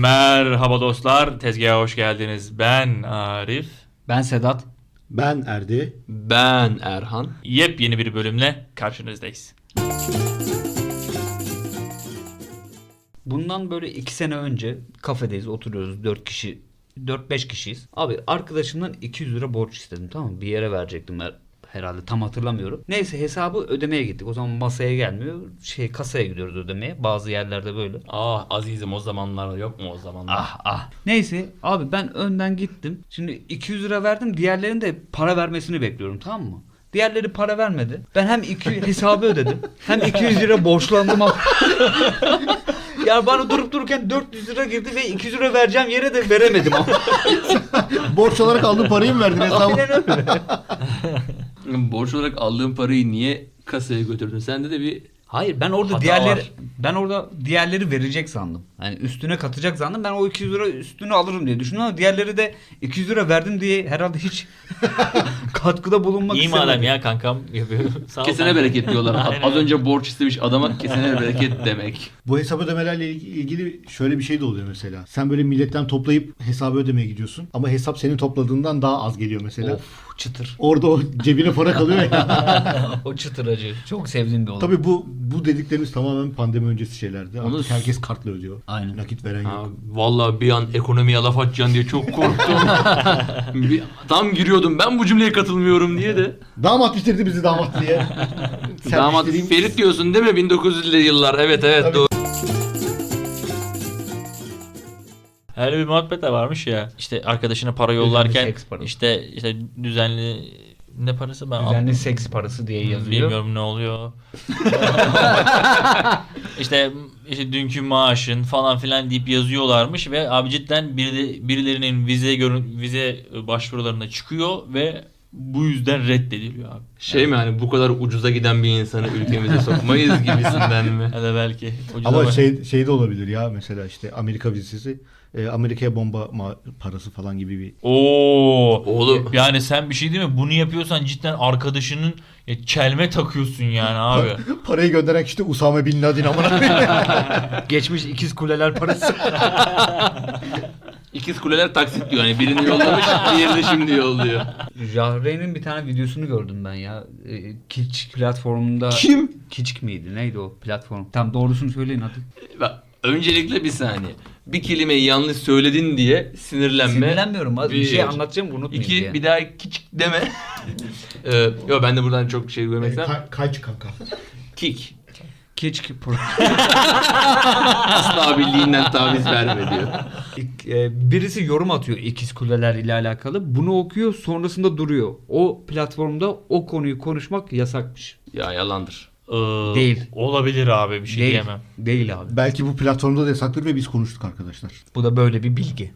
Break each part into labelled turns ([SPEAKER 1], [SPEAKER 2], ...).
[SPEAKER 1] Merhaba dostlar, tezgaha hoş geldiniz. Ben Arif.
[SPEAKER 2] Ben Sedat.
[SPEAKER 3] Ben Erdi.
[SPEAKER 4] Ben Erhan.
[SPEAKER 1] Yepyeni bir bölümle karşınızdayız.
[SPEAKER 2] Bundan böyle 2 sene önce kafedeyiz, oturuyoruz 4-5 kişiyiz. Abi arkadaşımdan 200 lira borç istedim, tamam mı? Bir yere verecektim herhalde, tam hatırlamıyorum. Neyse hesabı ödemeye gittik. O zaman masaya gelmiyor. Kasaya gidiyoruz ödemeye. Bazı yerlerde böyle.
[SPEAKER 4] Ah azizim, o zamanlar yok mu o zamanlar?
[SPEAKER 2] Neyse abi ben önden gittim. Şimdi 200 lira verdim. Diğerlerinin de para vermesini bekliyorum, tamam mı? Diğerleri para vermedi. Ben hem hesabı ödedim hem 200 lira borçlandım. Ya bana durup dururken 400 lira girdi ve 200 lira vereceğim yere de veremedim.
[SPEAKER 3] Borç olarak aldığın parayı mı verdin hesabı?
[SPEAKER 2] Aynen öyle.
[SPEAKER 4] Borç olarak aldığın parayı niye kasaya götürdün? Sende de bir
[SPEAKER 2] Hayır, ben orada
[SPEAKER 4] hata var.
[SPEAKER 2] diğerleri verecek sandım. Yani üstüne katacak sandım. Ben o 200 lira üstünü alırım diye düşündüm ama diğerleri de 200 lira verdim diye herhalde hiç katkıda bulunmak
[SPEAKER 1] İyi
[SPEAKER 2] istemedi.
[SPEAKER 1] madem ya kankam yapıyor. Sağ ol
[SPEAKER 4] kesene
[SPEAKER 1] kanka.
[SPEAKER 4] bereket diyorlar.
[SPEAKER 1] Aynen.
[SPEAKER 4] Az önce borç istemiş adama kesene bereket demek.
[SPEAKER 3] Bu hesap ödemelerle ilgili şöyle bir şey de oluyor mesela. Sen böyle milletten toplayıp hesabı ödemeye gidiyorsun. Ama hesap senin topladığından daha az geliyor mesela.
[SPEAKER 2] Of, çıtır.
[SPEAKER 3] Orada o cebine para kalıyor ya.
[SPEAKER 2] O çıtır acı. Çok sevdiğim bir olay.
[SPEAKER 3] Tabii bu dediklerimiz tamamen pandemi öncesi şeylerdi. Artık
[SPEAKER 4] Onu-
[SPEAKER 3] herkes kartla ödüyor.
[SPEAKER 2] Aynen.
[SPEAKER 3] Nakit veren
[SPEAKER 4] Ha,
[SPEAKER 3] yok.
[SPEAKER 4] vallahi bir an ekonomiye laf atacaksın diye çok korktum. Tam giriyordum ben bu cümleye katılmıyorum diye de.
[SPEAKER 3] Damat bitirdi bizi damat diye.
[SPEAKER 4] Damat
[SPEAKER 3] Serpiştireyim.
[SPEAKER 4] Ferit diyorsun değil mi? 1900'lü yıllar. Evet
[SPEAKER 3] Tabii.
[SPEAKER 4] doğru.
[SPEAKER 1] Öyle bir muhabbet de varmış ya. İşte arkadaşına para yollarken
[SPEAKER 2] seks parası.
[SPEAKER 1] işte düzenli ne parası ben
[SPEAKER 2] Düzenli seks parası diye yazıyor.
[SPEAKER 1] bilmiyorum ne oluyor. işte dünkü maaşın falan filan deyip yazıyorlarmış ve abi cidden birilerinin vize başvurularına çıkıyor ve bu yüzden reddediliyor abi.
[SPEAKER 4] Şey mi hani bu kadar ucuza giden bir insanı ülkemize sokmayız gibisinden mi?
[SPEAKER 1] Ya da belki
[SPEAKER 3] Ama şey de olabilir ya, mesela işte Amerika vizesi, Amerika'ya bomba parası falan gibi bir.
[SPEAKER 1] Oo.
[SPEAKER 4] Oğlum.
[SPEAKER 1] Yani sen bir şey değil mi? Bunu yapıyorsan cidden arkadaşının çelme takıyorsun yani abi.
[SPEAKER 3] Parayı gönderen kişi de Usame Bin Laden amına koyayım.
[SPEAKER 2] Geçmiş ikiz kuleler parası.
[SPEAKER 4] İkiz kuleler taksit diyor. Yani birini yollamış, diğerini şimdi yolluyor.
[SPEAKER 2] Jahre'nin bir tane videosunu gördüm ben ya. Kiçik platformunda.
[SPEAKER 4] Kim?
[SPEAKER 2] Kiçik miydi? Neydi o platform? Tam doğrusunu söyleyin hadi.
[SPEAKER 4] Bak, öncelikle bir saniye. Bir kelimeyi yanlış söyledin diye sinirlenme.
[SPEAKER 2] Sinirlenmiyorum. Bir şey anlatacağım, unutmayayım
[SPEAKER 4] İki,
[SPEAKER 2] diye.
[SPEAKER 4] bir daha küçük deme. Yo ben de buradan çok şey görmek istemem.
[SPEAKER 3] Kaç kanka.
[SPEAKER 4] Kick.
[SPEAKER 2] Kiçik
[SPEAKER 4] Asla birliğinden taviz verme diyor.
[SPEAKER 2] birisi yorum atıyor ikiz kuleler ile alakalı. Bunu okuyor, sonrasında duruyor. O platformda o konuyu konuşmak yasakmış.
[SPEAKER 4] Ya yalandır.
[SPEAKER 2] Değil.
[SPEAKER 1] Olabilir abi bir şey
[SPEAKER 2] Değil.
[SPEAKER 1] diyemem.
[SPEAKER 2] Değil abi.
[SPEAKER 3] Belki bu platformda da yasaktır ve biz konuştuk arkadaşlar.
[SPEAKER 2] Bu da böyle bir bilgi.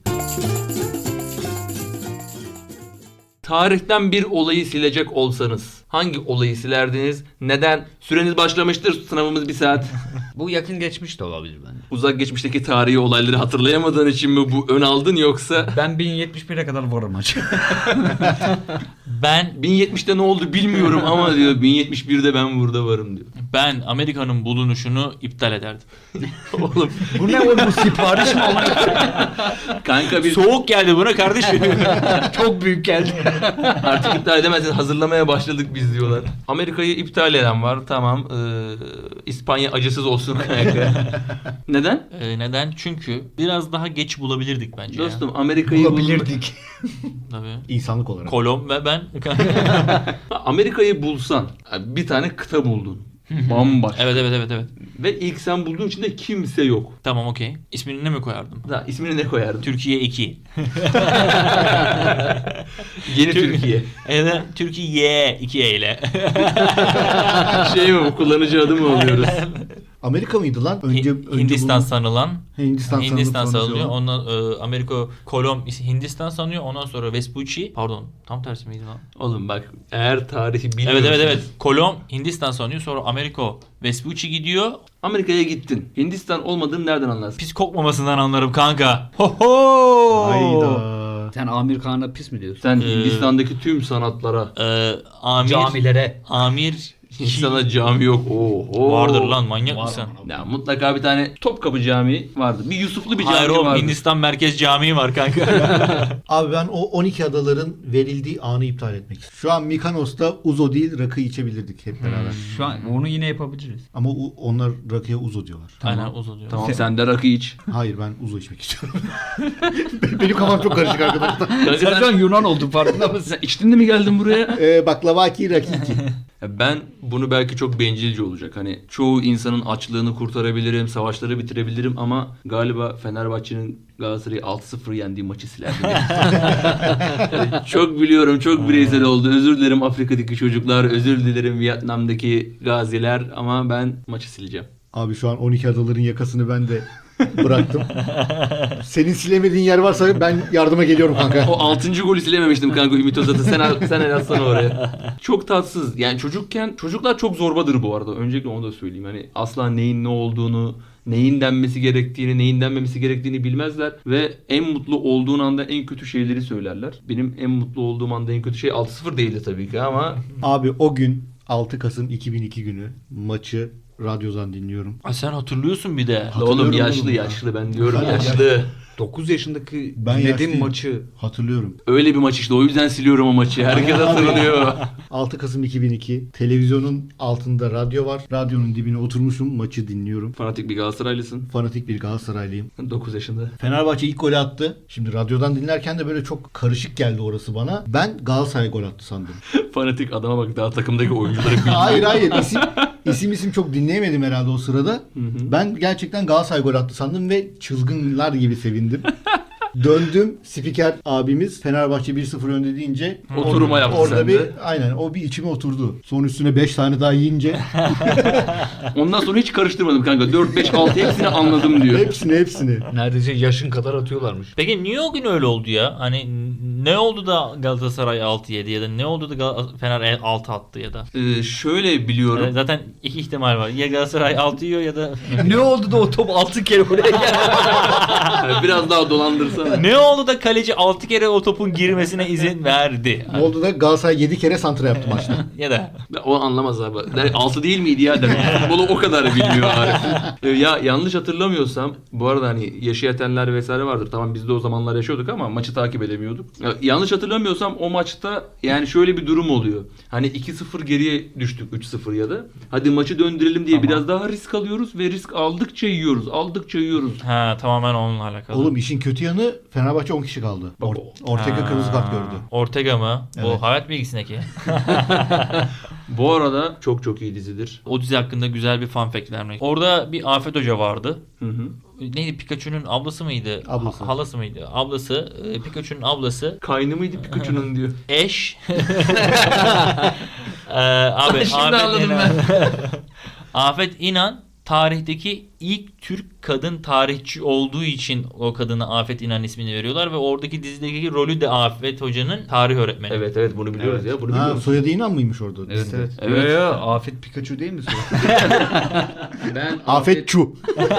[SPEAKER 4] Tarihten bir olayı silecek olsanız hangi olayı silerdiniz? Neden? Süreniz başlamıştır. Sınavımız 1 saat.
[SPEAKER 2] Bu yakın geçmiş de olabilir bence.
[SPEAKER 4] Uzak geçmişteki tarihi olayları hatırlayamadığın için mi bu ön aldın yoksa
[SPEAKER 2] Ben 1071'e kadar varım açık.
[SPEAKER 1] Ben
[SPEAKER 4] 1070'te ne oldu bilmiyorum ama diyor 1071'de ben burada varım diyor.
[SPEAKER 1] Amerika'nın bulunuşunu iptal ederdim.
[SPEAKER 4] Oğlum
[SPEAKER 2] Bu ne oğlum, bu sipariş mi olan?
[SPEAKER 4] kanka biz
[SPEAKER 1] Soğuk geldi buna kardeşim.
[SPEAKER 2] Çok büyük geldi.
[SPEAKER 4] artık iptal edemezsin, hazırlamaya başladık biz diyorlar. Amerika'yı iptal eden var, tamam. İspanya acısız olsun kanka. Neden?
[SPEAKER 1] Neden? Çünkü biraz daha geç bulabilirdik bence
[SPEAKER 4] Dostum Amerika'yı
[SPEAKER 2] Bulabilirdik.
[SPEAKER 1] ya. Tabii.
[SPEAKER 3] İnsanlık olarak.
[SPEAKER 1] Kolom ve ben.
[SPEAKER 4] Amerika'yı bulsan bir tane kıta buldun. Bambaşka.
[SPEAKER 1] Evet.
[SPEAKER 4] Ve ilk sen bulduğun için de kimse yok.
[SPEAKER 1] Tamam okey. İsmini ne mi koyardım?
[SPEAKER 4] Da ismini ne koyardın?
[SPEAKER 1] Türkiye 2.
[SPEAKER 4] Yeni Türkiye.
[SPEAKER 1] Evet, Türkiye 2 ile.
[SPEAKER 4] Şey mi bu, kullanıcı adı mı alıyoruz?
[SPEAKER 3] Amerika mıydı lan? Önce
[SPEAKER 1] Hindistan
[SPEAKER 3] bu-
[SPEAKER 1] sanılan.
[SPEAKER 3] Hindistan
[SPEAKER 1] Hindistan
[SPEAKER 3] sanılıyor.
[SPEAKER 1] sanılıyor. Ondan Amerika Kolom Hindistan sanıyor. Ondan sonra Vespucci. Pardon. Tam tersi miydi lan?
[SPEAKER 4] Oğlum bak, eğer tarihi bilmiyorsun.
[SPEAKER 1] Evet. Kolom Hindistan sanıyor. Sonra Amerika Vespucci gidiyor.
[SPEAKER 4] Amerika'ya gittin. Hindistan olmadığını nereden anlarsın?
[SPEAKER 1] Pis kokmamasından anlarım kanka. Ho.
[SPEAKER 3] Hayda.
[SPEAKER 2] Sen Amir Kağan'a pis mi diyorsun?
[SPEAKER 4] Sen Hindistan'daki tüm sanatlara
[SPEAKER 1] Amir
[SPEAKER 2] Camilere.
[SPEAKER 1] Amir
[SPEAKER 4] İnsana cami yok. Oo.
[SPEAKER 1] Vardır lan, manyak mısın?
[SPEAKER 4] Ya mutlaka bir tane Topkapı Camii vardı. Bir Yusuflu bir cami
[SPEAKER 1] Hayır oğlum,
[SPEAKER 4] vardı.
[SPEAKER 1] Hindistan Merkez Camii var kanka.
[SPEAKER 3] Abi ben o 12 adaların verildiği anı iptal etmek istiyorum. Şu an Mikonos'ta Uzo değil rakı içebilirdik hep beraber.
[SPEAKER 2] Şu an onu yine yapabiliriz.
[SPEAKER 3] Ama onlar rakıya Uzo diyorlar.
[SPEAKER 1] Aynen, uzun diyor.
[SPEAKER 4] Tamam sen de rakı iç.
[SPEAKER 3] Hayır, ben Uzo içmek istiyorum. Benim kafam çok karışık arkadaşlar.
[SPEAKER 2] Sen şu an Yunan oldun, farkında mısın?
[SPEAKER 4] Sen içtin de mi geldin buraya?
[SPEAKER 3] Baklavaki rakiki.
[SPEAKER 4] Ben bunu belki çok bencilce olacak. Hani çoğu insanın açlığını kurtarabilirim, savaşları bitirebilirim ama galiba Fenerbahçe'nin Galatasaray'ı 6-0 yendiği maçı silerdim. Çok biliyorum, çok bireysel oldu. Özür dilerim Afrika'daki çocuklar, özür dilerim Vietnam'daki gaziler ama ben maçı sileceğim.
[SPEAKER 3] Abi şu an 12 adaların yakasını ben de bıraktım. Senin silemediğin yer varsa ben yardıma geliyorum kanka.
[SPEAKER 4] O 6. golü silememiştim kanka Ümit Özat'ı. Sen el atsana oraya. Çok tatsız. Yani çocuklar çok zorbadır bu arada. Öncelikle onu da söyleyeyim. Hani asla neyin ne olduğunu, neyin denmesi gerektiğini, neyin denmemesi gerektiğini bilmezler ve en mutlu olduğun anda en kötü şeyleri söylerler. Benim en mutlu olduğum anda en kötü şey 6-0 değildi tabii ki ama
[SPEAKER 3] Abi o gün 6 Kasım 2002 günü maçı radyodan dinliyorum.
[SPEAKER 1] Ay sen hatırlıyorsun bir de.
[SPEAKER 4] oğlum
[SPEAKER 3] Hatırlıyorum
[SPEAKER 4] yaşlı
[SPEAKER 3] oğlum ya.
[SPEAKER 4] yaşlı ben diyorum
[SPEAKER 3] Ben
[SPEAKER 4] yaşlı.
[SPEAKER 2] 9 yaşındaki
[SPEAKER 3] Ben
[SPEAKER 2] dinlediğim
[SPEAKER 3] yaşlıyım.
[SPEAKER 2] maçı.
[SPEAKER 3] Hatırlıyorum.
[SPEAKER 4] Öyle bir maç işte o yüzden siliyorum o maçı. Herkes hatırlıyor.
[SPEAKER 3] 6 Kasım 2002 televizyonun altında radyo var. Radyonun dibine oturmuşum, maçı dinliyorum.
[SPEAKER 4] Fanatik bir Galatasaraylısın.
[SPEAKER 3] Fanatik bir Galatasaraylıyım.
[SPEAKER 4] 9 yaşında.
[SPEAKER 3] Fenerbahçe ilk golü attı. Şimdi radyodan dinlerken de böyle çok karışık geldi orası bana. Ben Galatasaray gol attı sandım.
[SPEAKER 4] Fanatik adama bak daha takımdaki oyuncuları bilmiyor.
[SPEAKER 3] hayır isim çok dinleyemedim herhalde o sırada. Ben gerçekten Galatasaray gol attı sandım ve çılgınlar gibi sevindim. Döndüm, spiker abimiz Fenerbahçe 1-0 önde deyince
[SPEAKER 4] Oturuma yaptı
[SPEAKER 3] orada
[SPEAKER 4] sende.
[SPEAKER 3] bir aynen o bir içime oturdu. Son üstüne 5 tane daha yiyince
[SPEAKER 4] Ondan sonra hiç karıştırmadım kanka. 4, 5, 6 hepsini anladım diyor.
[SPEAKER 3] hepsini.
[SPEAKER 2] Neredeyse yaşın kadar atıyorlarmış.
[SPEAKER 1] Peki niye o gün öyle oldu ya? Hani ne oldu da Galatasaray 6 yedi ya da ne oldu da Fener 6 attı ya da?
[SPEAKER 4] Şöyle biliyorum.
[SPEAKER 1] Zaten iki ihtimal var. Ya Galatasaray 6 yiyor ya da
[SPEAKER 2] Ne oldu da o top 6 kere oraya geldi?
[SPEAKER 4] Biraz daha dolandırsana.
[SPEAKER 1] ne oldu da kaleci 6 kere o topun girmesine izin verdi?
[SPEAKER 3] Ne oldu da Galatasaray 7 kere santra yaptı maçta.
[SPEAKER 1] Ya da
[SPEAKER 4] O anlamaz abi. 6 değil miydi ya demek. Futbolu o kadar bilmiyor Arif. Ya yanlış hatırlamıyorsam bu arada hani yaşı yetenler vesaire vardır. Tamam biz de o zamanlar yaşıyorduk ama maçı takip edemiyorduk. Ya, yanlış hatırlamıyorsam o maçta yani şöyle bir durum oluyor. Hani 2-0 geriye düştük 3-0 ya da. Hadi maçı döndürelim diye biraz daha risk alıyoruz ve risk aldıkça yiyoruz. Aldıkça yiyoruz.
[SPEAKER 1] ha tamamen onunla alakalı.
[SPEAKER 3] Oğlum işin kötü yanı Fenerbahçe 10 kişi kaldı. Ortega
[SPEAKER 1] Ha,
[SPEAKER 3] kırmızı kart gördü.
[SPEAKER 1] Ortega mı?
[SPEAKER 3] Evet.
[SPEAKER 1] Bu hayat bilgisindeki.
[SPEAKER 4] Bu arada çok çok iyi dizidir.
[SPEAKER 1] O dizi hakkında güzel bir fun fact vermek. Orada bir Afet Hoca vardı.
[SPEAKER 4] Hı hı.
[SPEAKER 1] Neydi, Pikachu'nun ablası mıydı?
[SPEAKER 3] Ablası.
[SPEAKER 1] Halası mıydı? Ablası. Pikachu'nun ablası.
[SPEAKER 4] Kaynı mıydı Pikachu'nun diyor.
[SPEAKER 1] Eş. Abi
[SPEAKER 4] Şimdi
[SPEAKER 1] Afet
[SPEAKER 4] anladım
[SPEAKER 1] İnan. Afet İnan tarihteki ilk Türk kadın tarihçi olduğu için o kadına Afet İnan ismini veriyorlar ve oradaki dizideki rolü de Afet Hoca'nın tarih öğretmeni.
[SPEAKER 4] Evet bunu biliyoruz ya. Bunu
[SPEAKER 3] Ha,
[SPEAKER 4] biliyoruz.
[SPEAKER 3] soyadı İnan mıymış orada?
[SPEAKER 2] Evet
[SPEAKER 3] dizide?
[SPEAKER 2] evet.
[SPEAKER 4] Evet.
[SPEAKER 2] Ya, Afet Pikachu değil mi?
[SPEAKER 4] Ben
[SPEAKER 3] Afet Çu.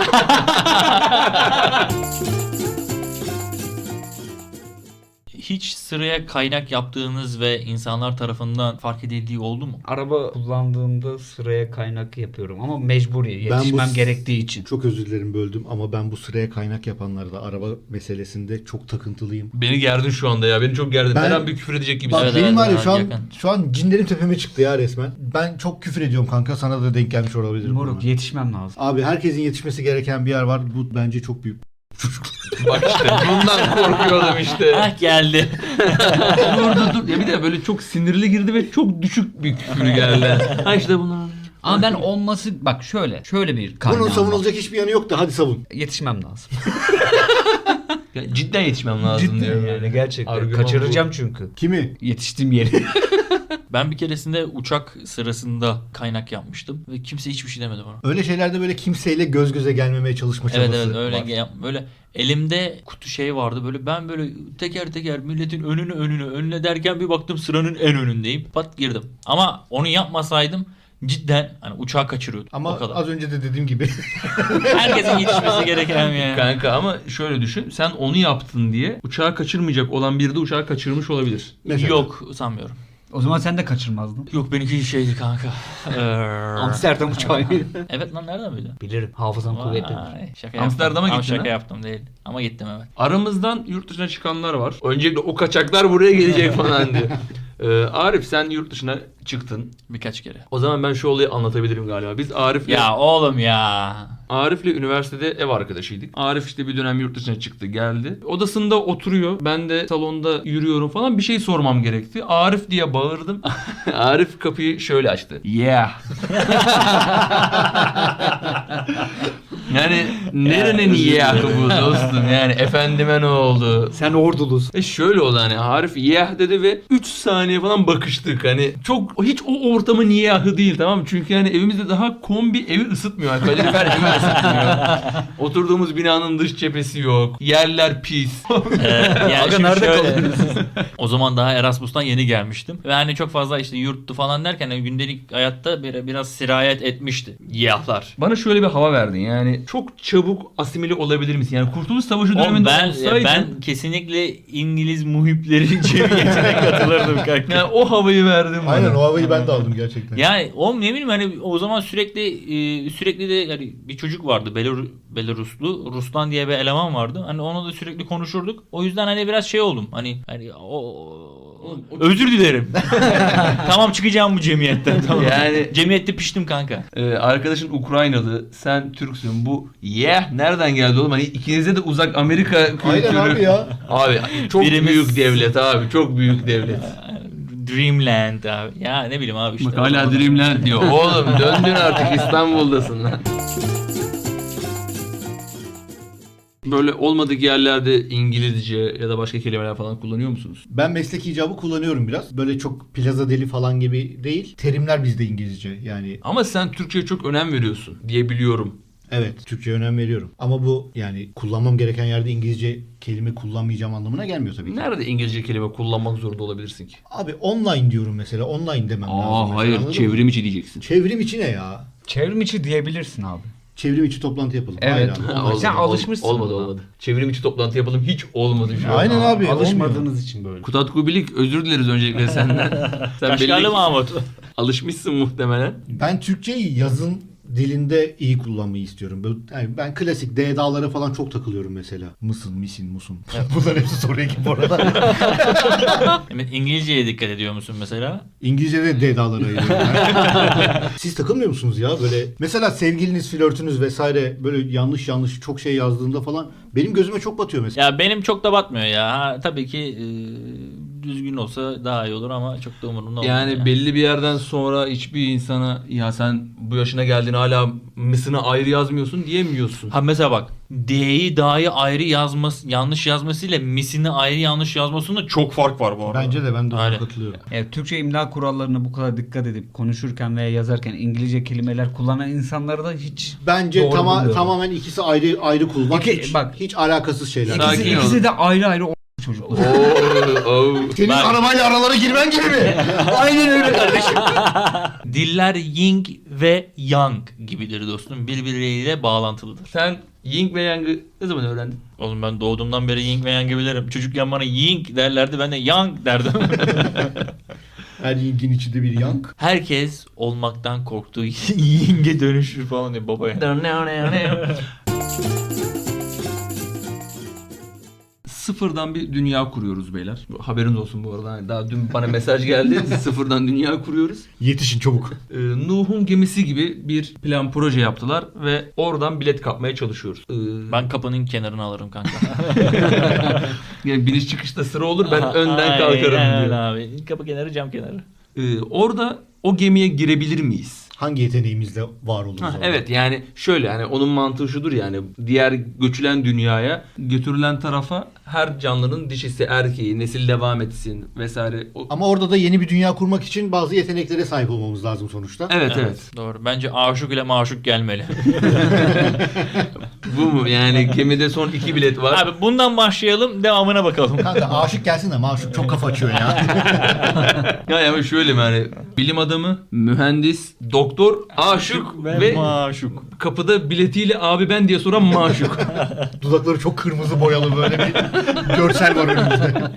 [SPEAKER 1] Hiç sıraya kaynak yaptığınız ve insanlar tarafından fark edildiği oldu mu?
[SPEAKER 2] Araba kullandığımda sıraya kaynak yapıyorum ama mecburi.
[SPEAKER 3] Ben bu-
[SPEAKER 2] Yetişmem gerektiği için.
[SPEAKER 3] Çok özür dilerim böldüm ama ben bu sıraya kaynak yapanlarda araba meselesinde çok takıntılıyım.
[SPEAKER 4] Beni gerdin şu anda ya. Beni çok gerdin.
[SPEAKER 3] Ben-
[SPEAKER 4] Her an bir küfür edecek gibi.
[SPEAKER 3] Bak
[SPEAKER 1] Evet,
[SPEAKER 3] benim
[SPEAKER 1] evet,
[SPEAKER 3] var ya
[SPEAKER 1] evet,
[SPEAKER 3] şu an
[SPEAKER 1] yakın.
[SPEAKER 3] şu an cinlerim tepeme çıktı ya resmen. Ben çok küfür ediyorum kanka, sana da denk gelmiş olabilir.
[SPEAKER 2] Moruk
[SPEAKER 3] buna.
[SPEAKER 2] yetişmem lazım.
[SPEAKER 3] Abi herkesin yetişmesi gereken bir yer var. Bu bence çok büyük.
[SPEAKER 4] Bak işte bundan korkuyordum işte.
[SPEAKER 1] Ah geldi.
[SPEAKER 4] dur. Ya bir de böyle çok sinirli girdi ve çok düşük bir küfür geldi. Ha işte bunlar.
[SPEAKER 2] Ama ben olması bak şöyle bir kaynağım
[SPEAKER 3] Bunun
[SPEAKER 2] var.
[SPEAKER 3] savunulacak hiçbir yanı yok da hadi savun.
[SPEAKER 2] Yetişmem lazım.
[SPEAKER 4] Ya cidden yetişmem lazım
[SPEAKER 2] Cidden
[SPEAKER 4] diyor.
[SPEAKER 2] yani gerçekten.
[SPEAKER 4] Argüman
[SPEAKER 2] Kaçıracağım
[SPEAKER 4] bu.
[SPEAKER 2] çünkü.
[SPEAKER 3] Kimi?
[SPEAKER 2] Yetiştiğim yeri.
[SPEAKER 1] Ben bir keresinde uçak sırasında kaynak yapmıştım ve kimse hiçbir şey demedi bana.
[SPEAKER 3] Öyle şeylerde böyle kimseyle göz göze gelmemeye çalışma
[SPEAKER 1] Evet
[SPEAKER 3] çabası
[SPEAKER 1] evet öyle
[SPEAKER 3] var.
[SPEAKER 1] böyle elimde kutu şey vardı böyle, ben böyle teker teker milletin önüne derken bir baktım sıranın en önündeyim. Pat girdim. Ama onu yapmasaydım cidden hani uçağı kaçırıyordum.
[SPEAKER 3] Ama
[SPEAKER 1] o kadar.
[SPEAKER 3] az önce de dediğim gibi
[SPEAKER 1] Herkesin yetişmesi gereken yani.
[SPEAKER 4] Kanka ama şöyle düşün. Sen onu yaptın diye uçağı kaçırmayacak olan biri de uçağı kaçırmış olabilir.
[SPEAKER 3] Mesela.
[SPEAKER 1] Yok sanmıyorum.
[SPEAKER 2] O zaman sen de kaçırmazdın.
[SPEAKER 1] Yok benimki şeydi kanka.
[SPEAKER 2] Amsterdam uçağı.
[SPEAKER 1] Evet lan nereden bildin?
[SPEAKER 2] Bilirim. Hafızam kuvvetlidir.
[SPEAKER 1] Vay, şaka
[SPEAKER 4] Amsterdam'a
[SPEAKER 1] yaptım.
[SPEAKER 4] gittin
[SPEAKER 1] Ama şaka
[SPEAKER 4] ha?
[SPEAKER 1] yaptım değil. Ama gittim evet.
[SPEAKER 4] Aramızdan yurt dışına çıkanlar var. Öncelikle o kaçaklar buraya gelecek falan diye. Arif sen yurt dışına çıktın.
[SPEAKER 1] Birkaç kere.
[SPEAKER 4] O zaman ben şu olayı anlatabilirim galiba. Biz Arif'le
[SPEAKER 1] Ya oğlum ya.
[SPEAKER 4] Arif'le üniversitede ev arkadaşıydık. Arif işte bir dönem yurt dışına çıktı geldi. Odasında oturuyor. Ben de salonda yürüyorum falan. Bir şey sormam gerekti. Arif diye bağırdım. Arif kapıyı şöyle açtı. Yeah. Yani nerenin yeah bu dostum, yani efendime ne oldu?
[SPEAKER 2] Sen ordulusun.
[SPEAKER 4] Şöyle oldu, hani Arif yeah dedi ve 3 saniye falan bakıştık. Hani çok hiç o ortamın yahı değil, tamam mı? Çünkü yani evimizde daha kombi evi ısıtmıyor. Yani kalorifer evi ısıtmıyor. Oturduğumuz binanın dış cephesi yok. Yerler pis.
[SPEAKER 1] Yani
[SPEAKER 2] Aga
[SPEAKER 1] şimdi
[SPEAKER 2] nerede
[SPEAKER 1] şöyle-
[SPEAKER 2] kalıyorsunuz?
[SPEAKER 1] O zaman daha Erasmus'tan yeni gelmiştim. Ve hani çok fazla işte yurttu falan derken hani gündelik hayatta biraz sirayet etmişti. Yahlar.
[SPEAKER 4] Bana şöyle bir hava verdin. Yani çok çabuk asimile olabilir misin? Yani Kurtuluş Savaşı
[SPEAKER 1] Oğlum
[SPEAKER 4] döneminde
[SPEAKER 1] ben,
[SPEAKER 4] olsaydın...
[SPEAKER 1] ben kesinlikle İngiliz muhipleri cemiyetine katılırdım kanka.
[SPEAKER 4] Yani o havayı verdim bana.
[SPEAKER 3] Aynen o havayı ben de aldım gerçekten.
[SPEAKER 1] Yani oğlum ne bileyim hani o zaman sürekli de yani bir çocuk vardı Belaruslu Ruslan diye bir eleman vardı. Hani onunla da sürekli konuşurduk. O yüzden hani biraz şey oldum. Hani özür dilerim. Tamam çıkacağım bu cemiyetten. Tamam.
[SPEAKER 4] Yani-
[SPEAKER 1] Cemiyette piştim kanka.
[SPEAKER 4] Arkadaşın Ukraynalı, sen Türksün. Bu yeah nereden geldi oğlum? Hani ikinize de uzak Amerika kültürü.
[SPEAKER 3] Aynen abi ya.
[SPEAKER 4] Abi çok
[SPEAKER 1] Birimiz-
[SPEAKER 4] büyük devlet abi. Çok büyük devlet.
[SPEAKER 1] Dreamland abi. Ya ne bileyim abi işte.
[SPEAKER 4] Bak hala Dreamland diyor. Oğlum döndün artık, İstanbul'dasın lan. Böyle olmadık yerlerde İngilizce ya da başka kelimeler falan kullanıyor musunuz?
[SPEAKER 3] Ben meslek icabı kullanıyorum biraz. Böyle çok plaza deli falan gibi değil. Terimler bizde İngilizce yani.
[SPEAKER 4] Ama sen Türkçe'ye çok önem veriyorsun diye biliyorum.
[SPEAKER 3] Evet, Türkçe'ye önem veriyorum. Ama bu yani kullanmam gereken yerde İngilizce kelime kullanmayacağım anlamına gelmiyor tabii ki.
[SPEAKER 4] Nerede İngilizce kelime kullanmak zorunda olabilirsin ki?
[SPEAKER 3] Abi online diyorum mesela. Online demem lazım. mesela,
[SPEAKER 4] Hayır,
[SPEAKER 3] anladın mı?
[SPEAKER 4] çevrim içi diyeceksin.
[SPEAKER 3] Çevrim içi ne ya?
[SPEAKER 2] Çevrim içi diyebilirsin abi.
[SPEAKER 3] Çevrim içi toplantı yapalım.
[SPEAKER 2] Evet.
[SPEAKER 3] Hayır abi.
[SPEAKER 4] Olmadı,
[SPEAKER 2] Sen alışmışsın
[SPEAKER 4] Olmadı
[SPEAKER 2] buna.
[SPEAKER 4] olmadı. Çevrim içi toplantı yapalım, hiç olmadı şu an.
[SPEAKER 3] Aynen abi.
[SPEAKER 2] Alışmadığınız için böyle.
[SPEAKER 4] Kutat Kubilik, özür dileriz öncelikle senden. Sen belli
[SPEAKER 1] Kaşgarlı
[SPEAKER 4] ki
[SPEAKER 1] Mahmut.
[SPEAKER 4] alışmışsın muhtemelen.
[SPEAKER 3] Ben Türkçeyi yazın dilinde iyi kullanmayı istiyorum. Yani ben klasik D'dalara falan çok takılıyorum mesela. Mısın, misin, musun. Bunların hepsi soru ekip bu arada.
[SPEAKER 1] Evet, İngilizceye dikkat ediyor musun mesela?
[SPEAKER 3] İngilizce'de D'dalara ayırıyorum ben. Siz takılmıyor musunuz ya böyle? Mesela sevgiliniz, flörtünüz vesaire böyle yanlış çok şey yazdığında falan benim gözüme çok batıyor mesela.
[SPEAKER 1] Ya benim çok da batmıyor ya. Ha, tabii ki düzgün olsa daha iyi olur ama çok da umurumda olmuyor.
[SPEAKER 4] Yani belli bir yerden sonra hiçbir insana ya sen bu yaşına geldin hala mısını ayrı yazmıyorsun diyemiyorsun.
[SPEAKER 1] Ha mesela bak D'yi dahi ayrı yanlış yazmasıyla misini ayrı yanlış yazmasında çok fark var bu arada.
[SPEAKER 3] Bence de ben de ona
[SPEAKER 1] Aynen.
[SPEAKER 3] katılıyorum.
[SPEAKER 2] Evet, Türkçe imla kurallarına bu kadar dikkat edip konuşurken veya yazarken İngilizce kelimeler kullanan insanları da hiç
[SPEAKER 3] Bence
[SPEAKER 2] doğru bulmuyorum.
[SPEAKER 3] tamamen ikisi ayrı kullanmak.
[SPEAKER 2] İki-
[SPEAKER 3] hiç,
[SPEAKER 2] bak.
[SPEAKER 3] hiç alakasız şeyler.
[SPEAKER 4] Sakin
[SPEAKER 2] İkisi,
[SPEAKER 4] ol.
[SPEAKER 2] ikisi de ayrı çocuklar.
[SPEAKER 3] Senin
[SPEAKER 1] Bak.
[SPEAKER 3] arabayla aralara girmen gibi mi?
[SPEAKER 2] Aynen öyle kardeşim.
[SPEAKER 1] Diller yin ve yang gibidir dostum. Birbirleriyle bağlantılıdır.
[SPEAKER 4] Sen yin ve yang'ı ne zaman öğrendin?
[SPEAKER 1] Oğlum ben doğduğumdan beri yin ve yang'ı bilirim. Çocukken bana yin derlerdi ben de yang derdim.
[SPEAKER 3] Her yingin içinde bir yank.
[SPEAKER 1] Herkes olmaktan korktuğu yinge dönüşür falan diye babaya.
[SPEAKER 4] Sıfırdan bir dünya kuruyoruz beyler. Haberiniz olsun bu arada. Hani daha dün bana mesaj geldi. Sıfırdan dünya kuruyoruz.
[SPEAKER 3] Yetişin çabuk.
[SPEAKER 4] Nuh'un gemisi gibi bir plan proje yaptılar ve oradan bilet kapmaya çalışıyoruz.
[SPEAKER 1] Ben kapının kenarını alırım kanka.
[SPEAKER 4] Yani biniş çıkışta sıra olur, ben önden kalkarım
[SPEAKER 1] Aynen
[SPEAKER 4] diyor.
[SPEAKER 1] abi. Kapı kenarı cam kenarı.
[SPEAKER 4] Orada o gemiye girebilir miyiz?
[SPEAKER 3] Hangi yeteneğimizle var oluruz orada?
[SPEAKER 4] Evet, yani şöyle, hani onun mantığı şudur, yani diğer göçülen dünyaya götürülen tarafa her canlının dişisi erkeği nesil devam etsin vesaire.
[SPEAKER 3] Ama orada da yeni bir dünya kurmak için bazı yeteneklere sahip olmamız lazım sonuçta.
[SPEAKER 4] Evet.
[SPEAKER 1] Doğru. Bence aşık ile maşuk gelmeli.
[SPEAKER 4] Bu mu? Yani gemide son 2 bilet var.
[SPEAKER 1] Abi bundan başlayalım devamına bakalım.
[SPEAKER 3] Kanka aşık gelsin de maşuk çok kafa açıyor ya.
[SPEAKER 4] Ya ama şöyle mi, hani bilim adamı, mühendis, doktor doktor aşık ve
[SPEAKER 1] maşuk.
[SPEAKER 4] kapıda biletiyle abi ben diye soran maşuk.
[SPEAKER 3] Dudakları çok kırmızı boyalı böyle bir görsel var önümüzde.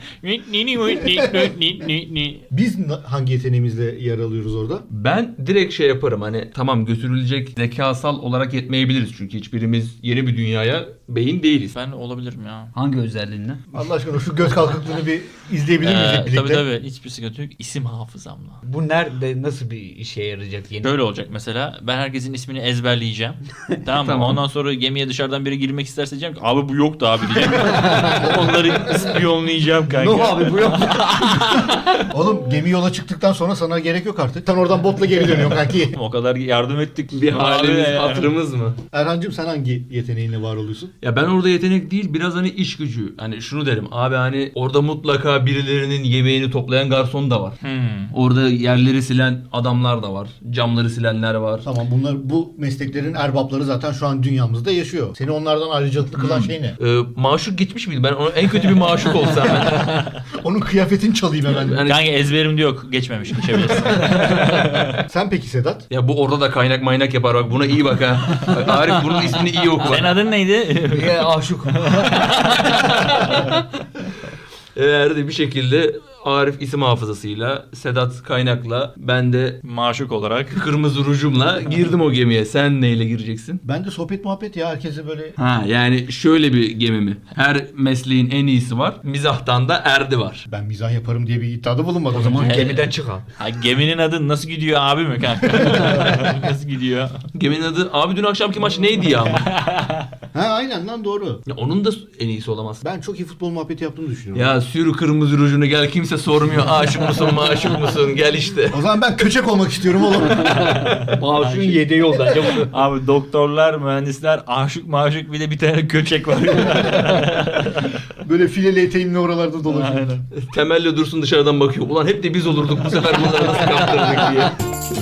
[SPEAKER 3] Biz hangi yeteneğimizle yer alıyoruz orada?
[SPEAKER 4] Ben direkt şey yaparım hani tamam götürülecek zekasal olarak yetmeyebiliriz çünkü hiçbirimiz yeni bir dünyaya beyin değiliz.
[SPEAKER 1] Ben olabilirim ya.
[SPEAKER 2] Hangi özelliğinle?
[SPEAKER 3] Allah aşkına şu göz kalkıklığını bir izleyebilir miyiz hep birlikte?
[SPEAKER 1] Tabii hiçbir sıkıntı yok. İsim hafızamla.
[SPEAKER 2] Bu nerede nasıl bir işe yarayacak yeni?
[SPEAKER 1] Böyle olacak mesela. Ben herkesin ismini ezberleyeceğim. Tamam mı?
[SPEAKER 4] Tamam.
[SPEAKER 1] Ondan sonra gemiye dışarıdan biri girmek isterse diyeceğim ki abi bu yoktu abi diyeceğim. Onları ispiyonlayacağım kanka.
[SPEAKER 2] No abi bu yok.
[SPEAKER 3] Oğlum gemi yola çıktıktan sonra sana gerek yok artık. Sen oradan botla geri dönüyorsun kanki.
[SPEAKER 1] O kadar yardım ettik.
[SPEAKER 4] Bir halimiz
[SPEAKER 1] Abi ya.
[SPEAKER 4] hatırımız mı?
[SPEAKER 3] Erhan'cığım sen hangi yeteneğinle var oluyorsun?
[SPEAKER 4] Ya ben orada yetenek değil biraz hani iş gücü. Hani şunu derim abi hani orada mutlaka birilerinin yemeğini toplayan garson da var. Orada yerleri silen adamlar da var. Camları silenler var.
[SPEAKER 3] Tamam bu mesleklerin erbapları zaten şu an dünyamızda yaşıyor. Seni onlardan ayrıcalıklı kılan şey ne?
[SPEAKER 4] Maşuk geçmiş miydi? Ben en kötü bir maşuk olsam ben.
[SPEAKER 3] Onun kıyafetini çalayım hemen.
[SPEAKER 4] Yani,
[SPEAKER 1] Kanka ezberimde yok. Geçmemiş. Geçebilirsin.
[SPEAKER 3] Sen peki Sedat?
[SPEAKER 4] ya bu orada da kaynak maynak yapar bak buna iyi bak ha. Bak, Arif bunun ismini iyi oku.
[SPEAKER 1] Senin adın neydi?
[SPEAKER 2] Aşık.
[SPEAKER 4] Eğer de bir şekilde Arif isim hafızasıyla, Sedat kaynakla, ben de
[SPEAKER 1] Maşuk olarak.
[SPEAKER 4] kırmızı rujumla girdim o gemiye. Sen neyle gireceksin?
[SPEAKER 3] Ben de sohbet muhabbet ya herkese böyle...
[SPEAKER 4] Ha yani şöyle bir gemi mi? Her mesleğin en iyisi var. Mizahtan da erdi var.
[SPEAKER 3] Ben mizah yaparım diye bir iddiada bulunmadım.
[SPEAKER 2] O zaman
[SPEAKER 1] He.
[SPEAKER 2] gemiden çık abi.
[SPEAKER 1] Ha, geminin adı nasıl gidiyor abi mi kanka? Nasıl gidiyor?
[SPEAKER 4] Geminin adı abi dün akşamki maç neydi ya?
[SPEAKER 3] Ha aynen lan doğru.
[SPEAKER 4] Ya onun da en iyisi olamaz.
[SPEAKER 3] Ben çok iyi futbol muhabbeti yaptığımı düşünüyorum.
[SPEAKER 4] Ya sür kırmızı rujunu gel kimse sormuyor. Aşık mısın maşuk musun gel işte.
[SPEAKER 3] O zaman ben köçek olmak istiyorum oğlum.
[SPEAKER 2] Maaşın yedeği yol bence bu.
[SPEAKER 1] Abi doktorlar, mühendisler, aşık maşuk bir de bir tane köçek var.
[SPEAKER 3] Böyle fileli eteğimle oralarda dolaşıyorum.
[SPEAKER 1] Aynen.
[SPEAKER 4] Temelli dursun dışarıdan bakıyor. Ulan hep de biz olurduk bu sefer bunları nasıl kaptırdık diye.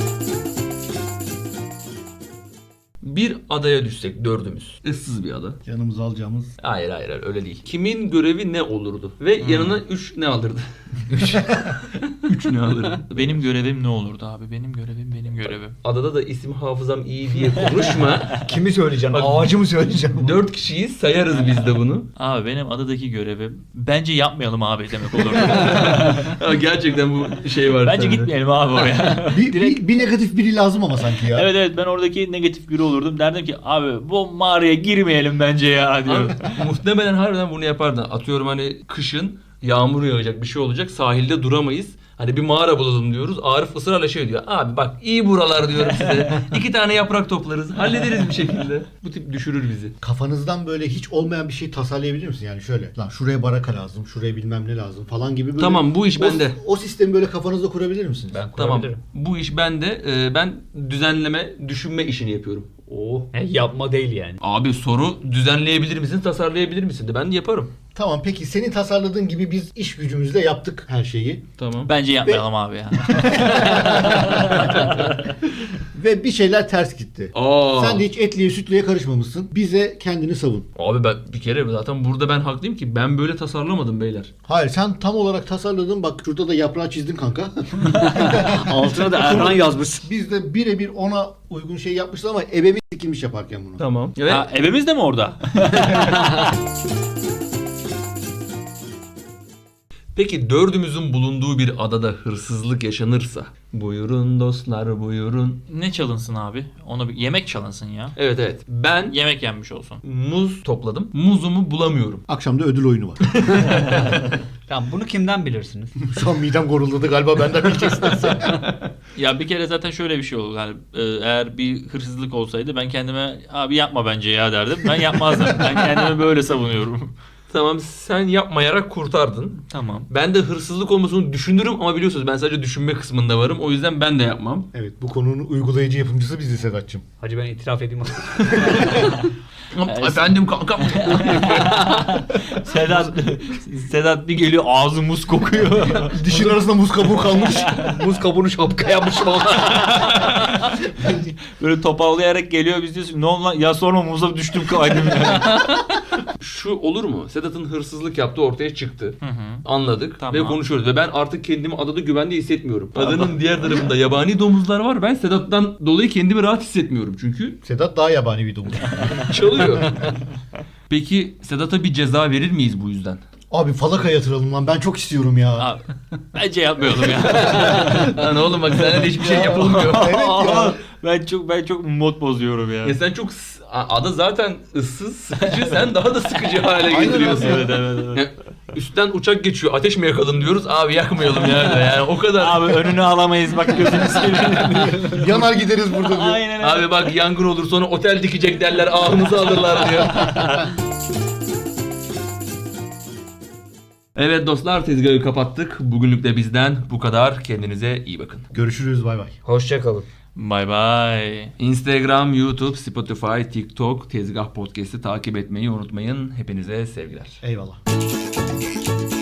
[SPEAKER 4] Bir adaya düşsek dördümüz. Issız bir ada.
[SPEAKER 3] Yanımıza alacağımız...
[SPEAKER 4] Hayır öyle değil. Kimin görevi ne olurdu? Ve yanına 3 ne alırdı? 3 ne alırdı?
[SPEAKER 1] Benim görevim ne olurdu abi? Benim görevim.
[SPEAKER 4] Adada da isim hafızam iyi diye konuşma.
[SPEAKER 2] Kimi söyleyeceksin?
[SPEAKER 4] Bak-
[SPEAKER 2] Ağacı mı söyleyeceksin?
[SPEAKER 4] 4 kişiyiz sayarız biz de bunu.
[SPEAKER 1] Abi benim adadaki görevim bence yapmayalım abi demek olurdu.
[SPEAKER 4] Ya gerçekten bu şey var.
[SPEAKER 1] Bence
[SPEAKER 4] sende.
[SPEAKER 1] gitmeyelim abi oraya.
[SPEAKER 3] Bir negatif biri lazım ama sanki ya.
[SPEAKER 1] Evet ben oradaki negatif biri olurdum. Derdim ki abi bu mağaraya girmeyelim bence ya diyorum.
[SPEAKER 4] Abi, muhtemelen harbiden bunu yapardın. Atıyorum hani kışın yağmur yağacak bir şey olacak sahilde duramayız. Hani bir mağara bulalım diyoruz. Arif ısrarla şey diyor. Abi bak iyi buralar diyorum size. 2 tane yaprak toplarız. Hallederiz bir şekilde. Bu tip düşürür bizi.
[SPEAKER 3] Kafanızdan böyle hiç olmayan bir şey tasarlayabilir misin? Yani şöyle. Lan şuraya baraka lazım, şuraya bilmem ne lazım falan gibi böyle.
[SPEAKER 4] Tamam, bu iş bende.
[SPEAKER 3] O sistemi böyle kafanızda kurabilir misiniz?
[SPEAKER 2] Ben
[SPEAKER 4] Tamam.
[SPEAKER 2] kurabilirim.
[SPEAKER 4] Bu iş bende. Ben düzenleme, düşünme işini yapıyorum. Oh.
[SPEAKER 2] Yapma değil yani.
[SPEAKER 4] Abi soru düzenleyebilir misin, tasarlayabilir misin de ben yaparım.
[SPEAKER 3] Tamam peki senin tasarladığın gibi biz iş gücümüzle yaptık her şeyi.
[SPEAKER 4] Tamam.
[SPEAKER 1] Bence yapmayalım abi ya.
[SPEAKER 3] Ve bir şeyler ters gitti.
[SPEAKER 4] Aa.
[SPEAKER 3] Sen de hiç etliye sütlüye karışmamışsın. Bize kendini savun.
[SPEAKER 4] Abi ben bir kere zaten burada ben haklıyım ki ben böyle tasarlamadım beyler.
[SPEAKER 3] Hayır sen tam olarak tasarladın. Bak şurada da yaprağı çizdin kanka.
[SPEAKER 2] Altına da Erhan yazmış.
[SPEAKER 3] Biz de birebir ona uygun şey yapmışız ama ebeveyn sikilmiş yaparken bunu.
[SPEAKER 4] Tamam. Evet.
[SPEAKER 1] Ha, evimiz de mi orada?
[SPEAKER 4] Peki dördümüzün bulunduğu bir adada hırsızlık yaşanırsa? Buyurun dostlar buyurun.
[SPEAKER 1] Ne çalınsın abi? Onu bir yemek çalınsın ya.
[SPEAKER 4] Evet. Ben
[SPEAKER 1] Yemek yenmiş olsun.
[SPEAKER 4] muz topladım. Muzumu bulamıyorum.
[SPEAKER 3] Akşamda ödül oyunu var.
[SPEAKER 2] Tamam bunu kimden bilirsiniz?
[SPEAKER 3] Şu an midem goruldadı galiba benden bileceksiniz.
[SPEAKER 1] Ya bir kere zaten şöyle bir şey oldu. Yani, eğer bir hırsızlık olsaydı ben kendime abi yapma bence ya derdim. Ben yapmazdım. Ben kendimi böyle savunuyorum.
[SPEAKER 4] Tamam sen yapmayarak kurtardın.
[SPEAKER 1] Tamam.
[SPEAKER 4] Ben de hırsızlık olmasını düşünürüm ama biliyorsunuz ben sadece düşünme kısmında varım. O yüzden ben de yapmam.
[SPEAKER 3] Evet bu konunun uygulayıcı yapımcısı biziz Sedat'cığım.
[SPEAKER 2] Hacı ben itiraf edeyim.
[SPEAKER 4] Efendim kankam.
[SPEAKER 1] Sedat bir geliyor ağzı muz kokuyor.
[SPEAKER 3] Dişin arasında muz kabuğu kalmış.
[SPEAKER 2] Muz kabuğunu şapka yapmışım
[SPEAKER 1] Böyle topallayarak geliyor biz diyoruz ne oldu lan ya sorma muza düştüm kaydım ya.
[SPEAKER 4] Şu olur mu? Sedat'ın hırsızlık yaptığı ortaya çıktı.
[SPEAKER 1] Hı hı.
[SPEAKER 4] Anladık
[SPEAKER 1] Tamam.
[SPEAKER 4] ve konuşuyoruz. Ve ben artık kendimi adada güvende hissetmiyorum. Adanın diğer tarafında yabani domuzlar var. Ben Sedat'tan dolayı kendimi rahat hissetmiyorum. Çünkü
[SPEAKER 3] Sedat daha yabani bir domuz.
[SPEAKER 4] çalıyor. Peki Sedat'a bir ceza verir miyiz bu yüzden?
[SPEAKER 3] Abi falaka yatıralım lan, ben çok istiyorum ya.
[SPEAKER 1] Abi, bence yapmayalım ya.
[SPEAKER 4] Lan oğlum bak sana hiçbir şey yapılmıyor.
[SPEAKER 3] Evet ya.
[SPEAKER 1] ben çok mod bozuyorum ya.
[SPEAKER 4] Ya sen çok ada zaten ıssız, sıkıcı. Sen daha da sıkıcı hale
[SPEAKER 3] Aynen
[SPEAKER 4] getiriyorsun.
[SPEAKER 3] öyle.
[SPEAKER 1] Evet.
[SPEAKER 4] Ya, üstten uçak geçiyor. Ateş mi yakalım diyoruz. Abi yakmayalım yani o kadar.
[SPEAKER 1] Abi önünü alamayız bak gözünü seveyim.
[SPEAKER 3] Yanar gideriz burada diyor.
[SPEAKER 1] Aynen öyle.
[SPEAKER 4] Abi bak yangın olur sonra otel dikecek derler. Ahımızı alırlar diyor. Evet dostlar, tezgahı kapattık. Bugünlük de bizden bu kadar. Kendinize iyi bakın.
[SPEAKER 3] Görüşürüz, bay bay.
[SPEAKER 2] Hoşçakalın.
[SPEAKER 1] Bye bye.
[SPEAKER 4] Instagram, YouTube, Spotify, TikTok, Tezgah Podcast'i takip etmeyi unutmayın. Hepinize sevgiler.
[SPEAKER 3] Eyvallah.